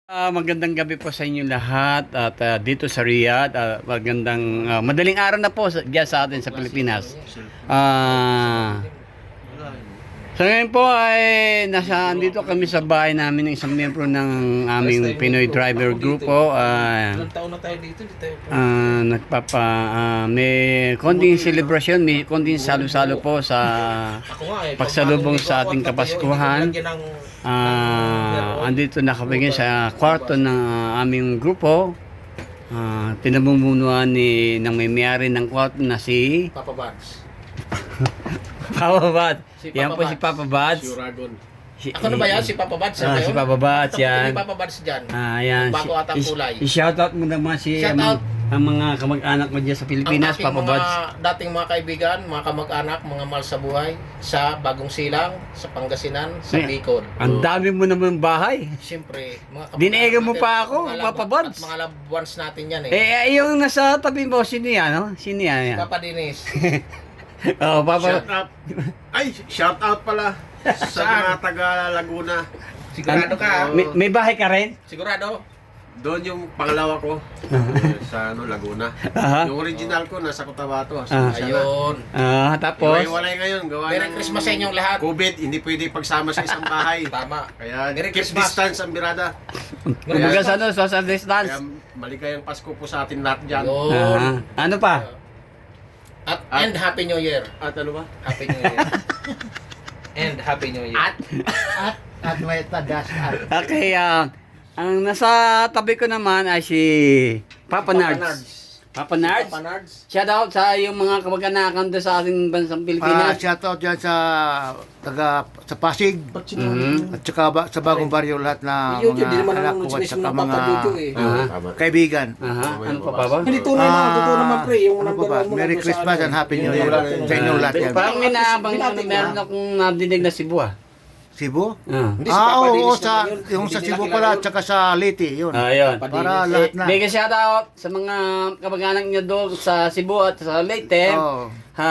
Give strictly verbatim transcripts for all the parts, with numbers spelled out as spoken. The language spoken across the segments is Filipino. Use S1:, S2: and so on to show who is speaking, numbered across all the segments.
S1: Ah, magandang gabi po sa inyo lahat at ah, dito sa Riyadh. Ah, magandang ah, madaling araw na po sa, diyan sa atin sa Pilipinas. Ah, sa ngayon po ay nasa andito kami sa bahay namin ng isang miyembro ng aming Pinoy Driver Group po. Ah,
S2: Ilang taon na tayo dito, di tayo po.
S1: ah, nagpapa ah, may konting celebration, may konting salo-salo po sa
S2: Ako nga eh.
S1: pagsalubong
S2: pag-
S1: sa ating
S2: pag-
S1: Kapaskuhan.
S2: hindi ko lagyan ng-
S1: Ah, andito nakabigay sa kwarto ng ah, aming grupo. Ah, pinamumunuan ni ng may-mayari ng kwarto na si
S2: Papa Bads.
S1: Papa Bad.
S2: Si
S1: Yan
S2: Papa
S1: po si Papa Bad.
S3: Suragon.
S1: Si,
S2: Ako na ba yan? Si Papa Bads?
S1: Ah, si Papa Bad yan.
S2: Si Papa Bads dyan.
S1: Ah, yan.
S2: Bago ata ang kulay.
S1: I-shoutout mo naman si
S2: Shout
S1: ang,
S2: out.
S1: ang mga kamag-anak mo diyan sa Pilipinas,
S2: Ang aking
S1: Papa
S2: mga
S1: Bad.
S2: dating mga kaibigan, mga kamag-anak, mga mahal sa buhay, sa Bagong Silang, sa Pangasinan, sa
S1: Eh,
S2: Bicol.
S1: Ang dami mo naman bahay.
S2: Siyempre, mga kamag-anak
S1: Diniigan mo
S2: natin,
S1: pa ako,
S2: mga
S1: Papa
S2: lab-
S1: Bads.
S2: At mga loved ones natin yan eh.
S1: Eh, eh, yung nasa tabi mo, sino yan, no? Sino yan? yan?
S2: Papa Dinis.
S1: Oh, Papa.
S3: Shout out. Ay, shout out pala sa
S2: Saan?
S3: mga taga Laguna.
S2: Sigurado ka?
S1: May, may bahay ka rin?
S2: Sigurado?
S3: Doon yung pangalawa ko eh, sa ano, Laguna.
S1: Aha.
S3: Yung original ko nasa Cotabato.
S1: Ah.
S2: Ayun.
S1: Ah, tapos?
S3: Iwalay ngayon. Gawa
S2: Merry
S3: ng
S2: Christmas sa inyong lahat.
S3: COVID, hindi pwede pagsama sa isang bahay.
S2: Tama.
S3: Kaya
S2: Merry
S3: keep
S2: Christmas.
S3: distance ang birada.
S1: Kumbaga sa ano, social distance.
S3: Kaya maligayang Pasko po sa atin lahat dyan.
S2: Ayun.
S1: Ah, ano pa?
S2: At,
S3: At-
S2: and Happy New Year.
S3: At ano ba?
S2: Happy New Year. And Happy New Year.
S1: At,
S4: At at may tadas at
S1: okay, ah, ang nasa tabi ko naman ay si Papa Nards. Papa Nards.
S2: Papa Nards.
S1: Shout out sa yung mga kamag-anakan doon sa ating bansang
S4: ah,
S1: Pilipinas.
S4: shoutout dyan sa taga sa Pasig
S1: Mhm.
S4: at saka ba, sa bagong baryo lahat na
S2: Yung yun, di
S4: mga
S2: naman
S4: anak
S2: ang
S4: ko at
S2: sinisip
S4: saka
S2: ng Papa
S4: mga
S2: Jojo eh.
S1: Aha.
S3: Tama.
S4: kaibigan.
S1: Aha, ano pa, Papa?
S2: Hindi tunay na,
S4: Ah,
S2: totoo naman pre. Yung
S4: ano pa ba?
S2: nagdala mo
S4: Merry
S2: lang doon sa
S4: Christmas
S2: ano.
S4: and Happy New
S2: Yung
S4: Year
S2: wala-
S4: sa inyong lahat yan.
S1: Parang may naabang
S2: Binati ko.
S1: meron akong nadinig na Cebu ah.
S4: Cebu?
S1: Ah.
S2: Hindi, si
S4: Ah,
S2: Papa
S4: oo,
S2: Dennis
S4: sa,
S2: naman yun.
S4: yung
S2: Hindi
S4: sa
S2: nila
S4: Cebu
S2: kilala
S4: pala
S2: yun.
S4: at saka sa Leyte, yun.
S1: Ayun.
S2: Papa
S4: Para
S2: Dennis.
S4: lahat na.
S1: Mega shout out sa mga kamag-anak nyo doon sa Cebu at sa Leyte.
S4: Oo.
S1: Ha,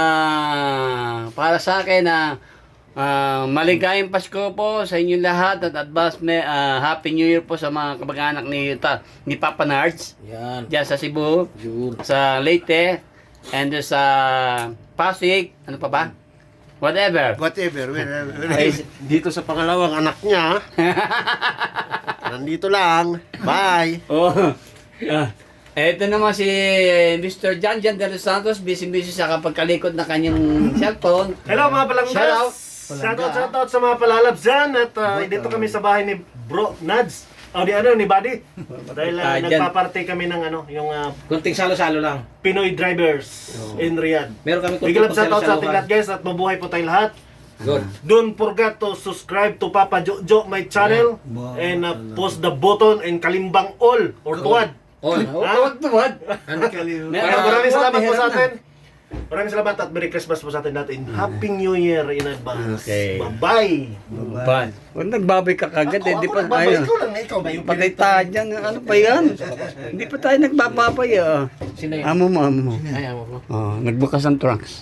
S1: para sa akin na ah, maligayang Pasko po sa inyong lahat at advance may ah, Happy New Year po sa mga kamag-anak ni, ta, ni Papa Nards
S2: Yan.
S1: diyan sa Cebu,
S2: Yun.
S1: sa Leyte, and sa Pasig, ano pa ba? Whatever.
S4: Whatever. when- when-
S1: Ay,
S3: Dito sa pangalawang anak niya. Nandito lang. Bye.
S1: oh. Ah, eto naman si Mister Jan Jan de los Santos, busy-busy sa kapagkalikot na kanyang cellphone.
S5: Hello mga palanggas!
S1: Shout out.
S5: Shoutout, shoutout sa mga palalabs dyan at uh, dito kami sa bahay ni Bro Nads. O di ano, ni Buddy. Dahil uh,
S1: Ah, dyan.
S5: nagpa-party kami ng ano, yung uh,
S2: Kunting salo-salo lang.
S5: Pinoy drivers in Riyadh.
S2: Meron kami kunting
S5: Big love shoutout sa ating
S2: pagsalo-saluhan.
S5: lahat guys at mabuhay po tayong lahat.
S2: Good.
S5: Don't forget to subscribe to Papa Jojo my channel and uh, post the button and kalimbang all or tuwad.
S2: All.
S1: Tuwad, tuwad.
S5: Maraming maraming salamat po sa atin. Maraming salamat at Merry Christmas po sa atin natin. Happy New Year in advance.
S1: Okay.
S5: Bye-bye.
S1: Ba? Kung nagbabay ka kagad, eh, di pa
S5: Babay
S1: tayo.
S5: ko lang, ikaw ba yung
S1: Patay tayo dyan. Ano pa yan? Hindi pa tayo nagbababay, ah.
S2: Sino yun?
S1: Amo mo, amo mo.
S2: Ay, amo ko.
S1: Oh, nagbukas ang trunks.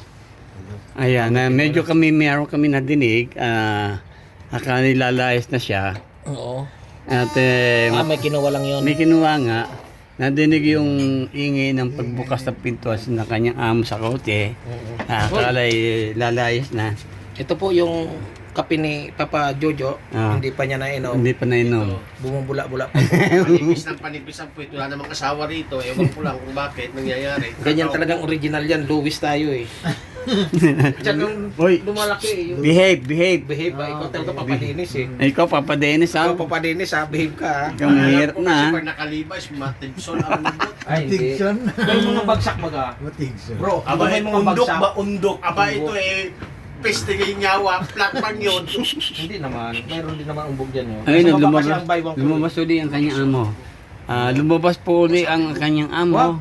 S1: Ayan, na medyo kami, meron kami nadinig. Ah, akala nilalayas na siya.
S2: Oo.
S1: At eh,
S2: Ah, may kinuha lang yun.
S1: may kinuha nga. Nadinig yung ingay ng pagbukas ng pintuan ng kanyang amo sa kotse. Ah, akala eh, lalayas na.
S2: Ito po yung kape ni Papa Jojo.
S1: Ah.
S2: Hindi pa niya nainom.
S1: Hindi pa nainom.
S2: Bumubula-bula pa.
S3: Panipis ng panipis ang puwit. Wala namang asawa rito. Ewan ko lang kung bakit nangyayari.
S2: Ganyan talagang original yan. Louis tayo eh. Diyan yung
S1: Hoy,
S2: lumalaki eh. Yung
S1: behave, behave.
S2: behave ba? Ikaw talaga Papa Dennis eh.
S1: Ikaw, Papa Dennis, ha?
S2: Ikaw Papa Dennis ha, behave ka ha.
S1: Ikaw mahirap na, ha?
S3: Kasi pag nakalibas, matibsol ang lubot.
S2: Ay, hindi. May mga bagsak baga. Bro,
S3: Aba,
S2: may mga
S3: undok
S2: bagsak.
S3: ba? Undok. Aba, ito eh, peste kay nyawa, flat man yun.
S2: Hindi naman. Mayroon din naman umbog dyan yun.
S1: Ayun,
S2: Sa baba kasi
S1: lumabas,
S2: ang buy one for
S1: lumabas uli ang kanyang amo. Ah, lumabas po uli ang kanyang amo.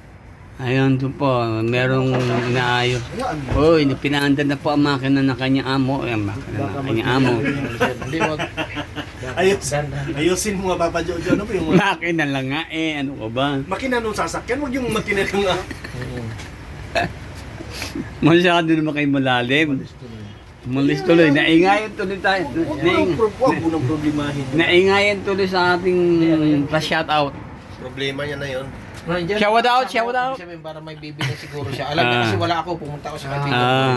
S1: Ayun, doon po, merong inaayos. Uy, pinaandar na po ang makina ng kanyang amo. Ay, ang makina ng kanyang amo.
S2: Hindi wag.
S5: Ayos.
S2: Ganda.
S5: Ayusin mo nga Papa Jojo. Ano ba yung mga
S1: Makina lang nga eh, ano ko ba?
S5: makina nung sasakyan? Huwag yung makina nung uh,
S1: Masyado naman kayo malalim. Umalis tuloy. Naingayan tuloy tayo. Naing,
S5: Huwag mo nang problemahin.
S1: naingayan tuloy sa ating pa-shoutout.
S3: Problema niya na yun.
S2: Nandiyan,
S1: Shout out,
S2: kasama
S1: shout
S2: ko,
S1: out.
S2: ibig sabihin, para may bibili siguro siya. Alam niya
S1: Ah.
S2: kasi wala ako, pumunta ako sa kaibigan ko.
S1: Ah.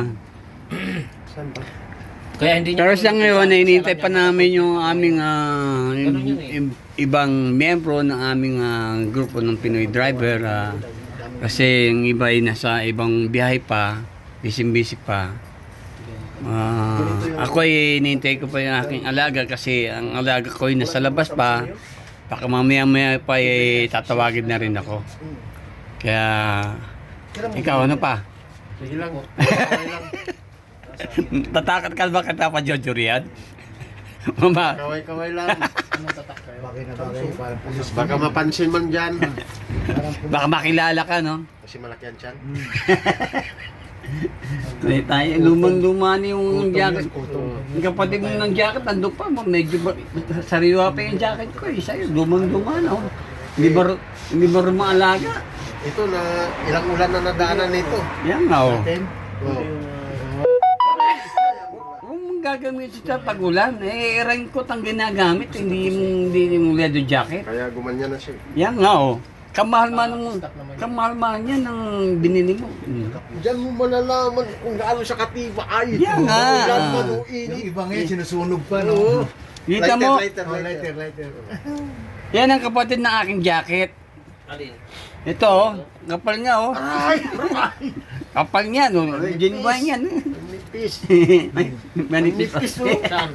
S2: Kaya hindi niya
S1: Pero
S2: ako
S1: sa ngayon,
S2: kasi
S1: nainintay
S2: alam
S1: pa
S2: niya
S1: namin
S2: ako.
S1: yung aming ah,
S2: Ganun yun eh.
S1: i- ibang miyembro ng aming ah, grupo ng Pinoy Driver. ah, kasi yung iba ay nasa ibang biyahe pa, busy-busy pa. Ah, ako ay inintay ko pa yung aking alaga kasi ang alaga ko ay nasa labas pa. Baka mamaya-maya pa ay tatawagin na rin ako. Kaya, ikaw ano pa?
S3: Sige lang. Okay lang.
S1: Tatakat ka ba kita pa, Jojo Riad? Mama,
S3: Kaway-kaway lang.
S4: Bagay na bagay, parang pulis.
S3: Baka mapansin man dyan.
S1: baka makilala ka, no?
S3: Kasi malaki ang tiyan.
S1: May tayo, lumang-luma na yung jacket. Yung kapatid mo ng jacket, andun pa, medyo ba, sariwa pa yung jacket ko eh. Sa'yo, lumang-luma na. Oh. Hindi ba, hindi ba rin maalaga?
S3: Ito na ilang ulan na nadaanan nito.
S1: Yan nga, oh.
S3: Oh.
S1: Kung gagamit sa pag-ulan, eh, raincoat ang ginagamit, hindi yung, hindi yung leather jacket.
S3: Kaya gumanyan na siya.
S1: Yan nga, oh. Kamahal man ng, kamahal man yan ng binili mo. Hmm.
S3: Diyan mo malalaman kung gaano siya katibay.
S1: Yan nga.
S3: Ulan man o
S4: Yung
S3: init.
S4: iba ngayon, sinusunog pa, no?
S1: Dito mo,
S3: Lighter,
S4: Oh,
S3: lighter,
S4: lighter,
S3: lighter.
S4: lighter.
S1: yan ang kapatid ng aking jacket.
S2: Alin?
S1: Ito, oh, kapal nga, oh. Kapal niya, no? Genuine yan.
S3: Nipis.
S1: Manipis.
S3: Nipis mo.
S2: Saan?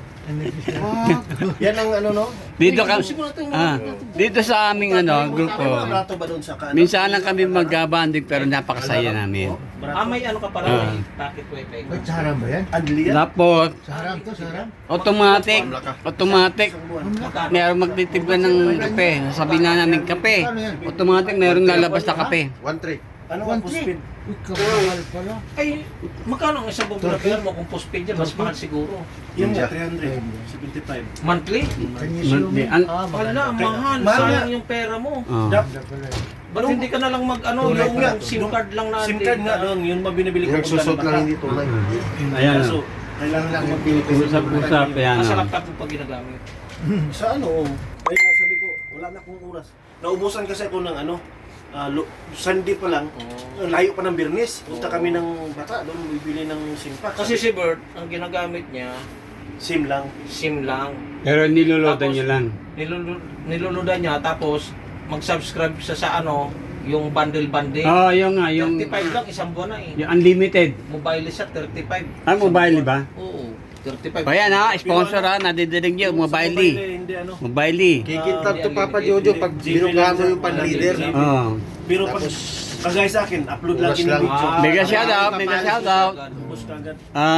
S3: Yan ang ano no?
S1: Dito ka, ah, dito sa aming ano, grupo.
S5: Rato ba doon sa kanan?
S1: Minsan lang kami mag-banding pero napakasaya namin.
S2: Ah, may ano ka pala,
S1: Ah.
S2: may packet wifi.
S4: Wait, sa harap ba yan?
S5: Adli yan?
S1: Tapos,
S4: Sa harap to, sa harap?
S1: automatic, automatic, meron magtitibla ng kape. Sabihin na namin kape. Automatic, meron lalabas na kape.
S3: One three.
S5: Ano ang postpaid?
S4: Uy, kamahal pala.
S2: Ay, magkano ang isang buong repair mo kung postpaid yan? Mas mahal siguro.
S5: Yung
S3: Ninja.
S5: three hundred seventy-five.
S2: Monthly?
S4: Kanya
S1: Monthly. An-
S4: Ah,
S2: Wala, mahal.
S5: Mahal
S2: Sayang
S5: nga.
S2: yung pera mo.
S1: Oh.
S5: Dap-
S2: Ba't hindi ka na lang mag ano,
S5: Tunay
S2: yung
S5: nga.
S2: SIM card lang na
S5: SIM card nga doon, yun mabinibili ko.
S3: Yung susot lang hindi tunay.
S1: Ayan.
S5: So, kailangan lang mag
S1: Usap-usap, yan.
S2: Nasa
S1: oh.
S2: laptop mo pag ginagamit.
S5: Sa ano? Kaya nga sabi ko, wala na akong oras. Naubusan kasi ako ng ano, ah, lo- Sunday pa lang, layo pa ng Birnis. Punta kami ng bata, doon bibili ng SIM pack.
S2: Kasi si Bert, ang ginagamit niya,
S5: SIM lang.
S2: SIM lang.
S1: Pero niloloadan
S2: Tapos,
S1: nyo lang.
S2: Nilulu- niluludan niya, tapos mag-subscribe siya sa ano, yung bundle-bundle.
S1: Oo, oh, yung nga, yung,
S2: thirty-five lang, isang buwan na eh.
S1: yung unlimited.
S2: Mobile siya, thirty-five.
S1: Ah, mobile ba?
S2: Oo, thirty-five.
S1: O yan ha, sponsor ha, nadidinig nyo,
S5: Yung sa
S1: mobile.
S5: eh, Hindi ano.
S1: Mobile.
S3: Kikintab to Papa Jojo pag binugahan mo yung pan-leader.
S1: Oh.
S5: Pero pag kagaya sa akin, upload
S3: Oras
S5: lagi ng
S3: lang.
S5: video.
S1: Mega shoutout, mega shoutout.
S5: Ubus kagad.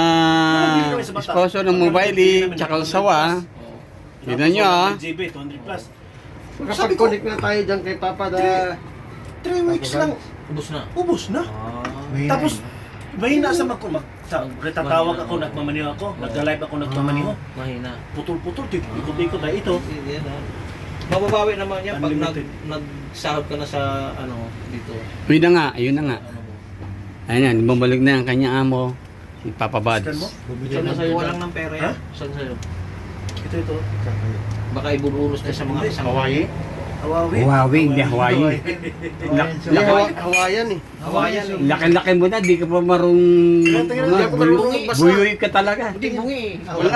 S1: Ah, sponsor ng mobile, tsaka sawa. Tignan nyo ah.
S5: G B, two hundred plus.
S3: Kapag connect na tayo dyan kay Papa da...
S5: three weeks lang,
S2: Ubus na.
S5: ubus na.
S2: Ah.
S4: Mahina
S5: Tapos,
S4: eh.
S5: mahina sa mag... mag sa, retatawag ako, nagmamaniho ako, nagka-live ako, nagmamaniho.
S2: Mahina.
S5: Putol-putol, tik- ikot-ikot na ito.
S2: Hindi yan ah. Mababawi naman yan pag nag,
S5: Unlimited.
S2: nagsahod ka na sa ano dito.
S1: Yun na nga, yun na nga.
S2: Ano mo.
S1: Ayun yan, bumalik na ang kanyang amo, si Papa
S5: Scan
S1: Buds.
S5: mo?
S4: Bumili
S2: Saan
S4: ng
S2: sa'yo walang ng pera yan?
S5: Ha?
S2: Saan sa'yo?
S5: Ito, ito.
S2: Baka ibuburos na sa mga kasama.
S3: Hawaii?
S5: Hawawi.
S1: Huawei, hindi Hawaii. Lak-
S3: Hindi, Hawa- Hawaiian eh.
S2: Hawayan eh.
S1: Laki-laki mo na, di ka pa marung...
S3: Hindi ako marunong magbasa.
S1: Buyoy ka talaga.
S2: Hindi bungi eh.
S3: Wala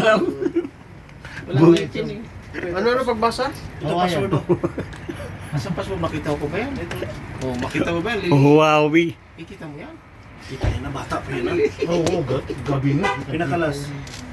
S2: Wala
S1: Bungi.
S2: nga yan eh.
S3: Ano na pagbasa?
S5: Ito, password mo.
S2: Nasa password, makita ko ba yan? Oh, makita mo ba yan? Lili?
S1: Huawei.
S2: Ikita mo yan?
S5: Kita yan na bata pa yun. ah.
S4: Oo, oo, ga- gabi nga.
S5: Pinakalas.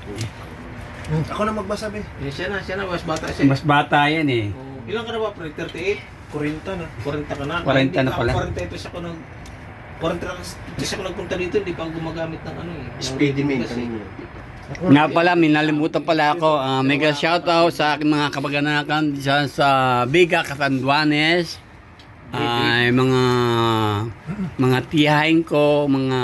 S5: Ako na magbasa, be.
S2: Eh, siya na, siya na. Mas bata siya.
S1: Mas bata yan eh.
S2: Oh, ilan ka na ba, pre? thirty-eight?
S5: forty na.
S2: forty ka na?
S1: forty na
S2: Hindi
S1: pala.
S2: forty-eight ako nag... forty kasi ako nagpunta dito, hindi pa ako gumagamit ng ano eh. ng
S3: Speedy main
S2: kasi.
S3: kanina.
S1: Nga pala, minalimutan pala ako. Ah, mega shoutout sa aking mga kapag-anakan dyan sa Biga, Catanduanes. Ay, mga mga tiyahin ko, mga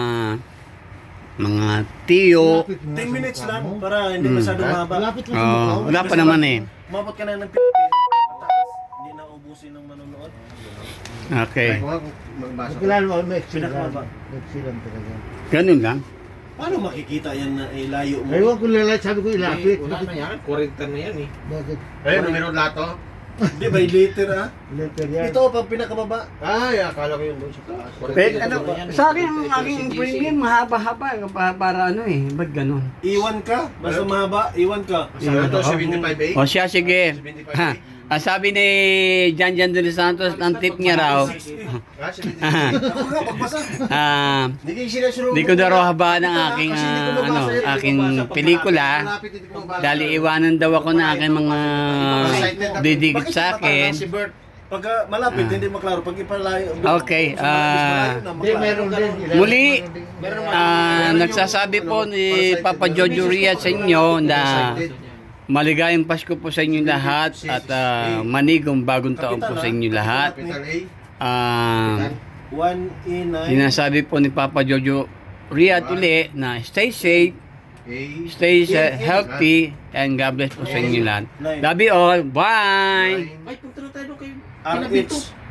S1: mga tiyo.
S5: ten minutes lang para hindi
S1: Hmm.
S5: masyadong mahaba.
S4: Lapit lang sa
S1: Oh,
S4: mukha.
S1: wala pa naman eh.
S5: Umabot ka na ng Pilipinas. Mataas. Hindi na ubusin ng manonood.
S1: Okay.
S3: Kaya ko nga kung magbasa ko.
S4: Magkilala mo, may
S5: Pinakamaba.
S4: Nagsilang talaga.
S1: Ganun lang.
S5: Paano makikita yan na eh, layo mo?
S4: Ewan ko lalait, sabi ko ilapit.
S2: Wala na yan, forty na yan eh.
S4: Bakit?
S3: Ayun, numero lato.
S5: Hindi, by liter ah.
S4: Letter yan.
S5: Ito, pag pinakababa.
S3: Ay, akala ko yung doon sa taas.
S1: Pwede, ano, sa akin, ang aking premium, mahaba-haba. Pa, para ano eh, ba't ganun?
S5: Iwan ka, basta mahaba, iwan ka.
S3: Ano to, seventy-five A?
S1: O siya, sige. Ha, ang sabi ni Jan Jan de los Santos, ang tip niya raw,
S3: Ah, seventy-five A.
S5: Ako nga, pagbasa.
S1: ah,
S3: Hindi kayo sinasuro.
S1: di ko daw raw habaan ang aking, ah, ano, aking pelikula. Dahil iwanan daw ako na aking mga didikit sa akin.
S3: Si Bert.
S5: Pagka malapit, hindi maklaro. Pag ipalayo.
S1: Okay, ah,
S4: Hindi, meron din.
S1: muli, ah, nagsasabi po ni Papa Jojo Riat sa inyo na maligayang Pasko po sa inyo lahat at ah, manigong bagong taon po sa inyo lahat.
S3: Capital A.
S1: Ah,
S5: one E nine.
S1: sinasabi po ni Papa Jojo Riat uli na stay safe,
S3: A.
S1: stay sa- healthy, and God bless po sa inyo lahat. Love you all. Bye!
S3: nine.
S2: Ay, punta na tayo doon kayo.
S5: R H